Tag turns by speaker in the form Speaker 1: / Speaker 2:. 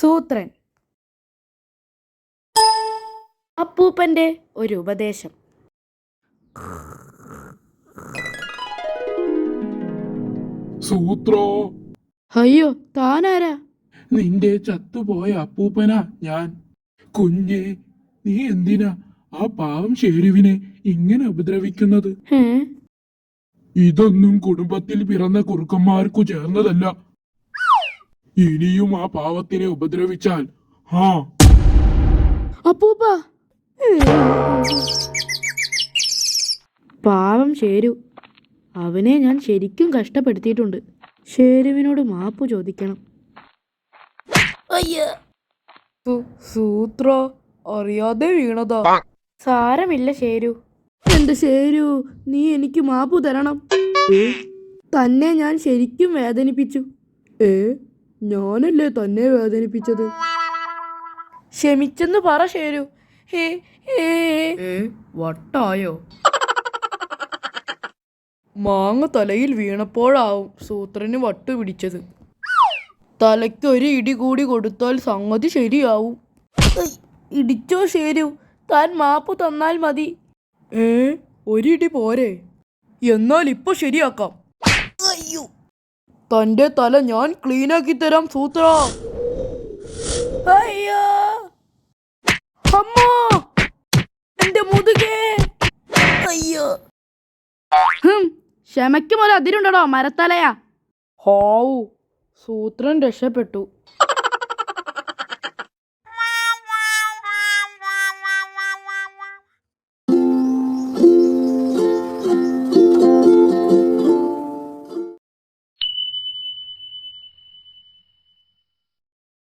Speaker 1: സൂത്രൻ. അപ്പൂപ്പന്റെ ഒരു ഉപദേശം.
Speaker 2: സൂത്രോ.
Speaker 1: അയ്യോ, താനാരാ?
Speaker 2: നിന്റെ ചത്തുപോയ അപ്പൂപ്പനാ ഞാൻ. കുഞ്ഞെ, നീ എന്തിനാ ആ പാവം ഷേരുവിനെ ഇങ്ങനെ ഉപദ്രവിക്കുന്നത്? ഇതൊന്നും കുടുംബത്തിൽ പിറന്ന കുറുക്കന്മാർക്കു ചേർന്നതല്ല. ഇനിയും ആ പാവത്തിനെ ഉപദ്രവിച്ചാൽ
Speaker 1: അപ്പൂപ്പ. പാവം ഷേരു, അവനെ ഞാൻ ശരിക്കും കഷ്ടപ്പെടുത്തിയിട്ടുണ്ട്. ഷേരുവിനോട് മാപ്പ് ചോദിക്കണം.
Speaker 3: സൂത്ര അറിയാതെ വീണതാ.
Speaker 1: സാരമില്ല ഷേരു. എന്റെ ഷേരു, നീ എനിക്ക് മാപ്പ് തരണം. തന്നെ ഞാൻ ശരിക്കും വേദനിപ്പിച്ചു. ഞാനല്ലേ തന്നെ വേദനിപ്പിച്ചത്? ക്ഷമിച്ചെന്ന് പറ ഷേരു. വട്ടായോ?
Speaker 3: മാങ്ങ തലയിൽ വീണപ്പോഴാവും സൂത്രന് വട്ടു പിടിച്ചത്. തലയ്ക്ക് ഒരു ഇടി കൂടി കൊടുത്താൽ സംഗതി ശരിയാവും.
Speaker 1: ഇടിച്ചോ ഷേരു, താൻ മാപ്പ് തന്നാൽ മതി.
Speaker 3: ഒരിടി പോരെ? എന്നാൽ ഇപ്പൊ ശരിയാക്കാം. തന്റെ തല ഞാൻ ക്ലീനാക്കി തരാം സൂത്ര.
Speaker 1: അയ്യോ, അമ്മോ, എന്റെ മുതുകേ. അയ്യോ. ക്ഷമയ്ക്കും ഒരു അതിരുണ്ടോ മരത്തലയാ.
Speaker 3: ഹാവു, സൂത്രൻ രക്ഷപ്പെട്ടു.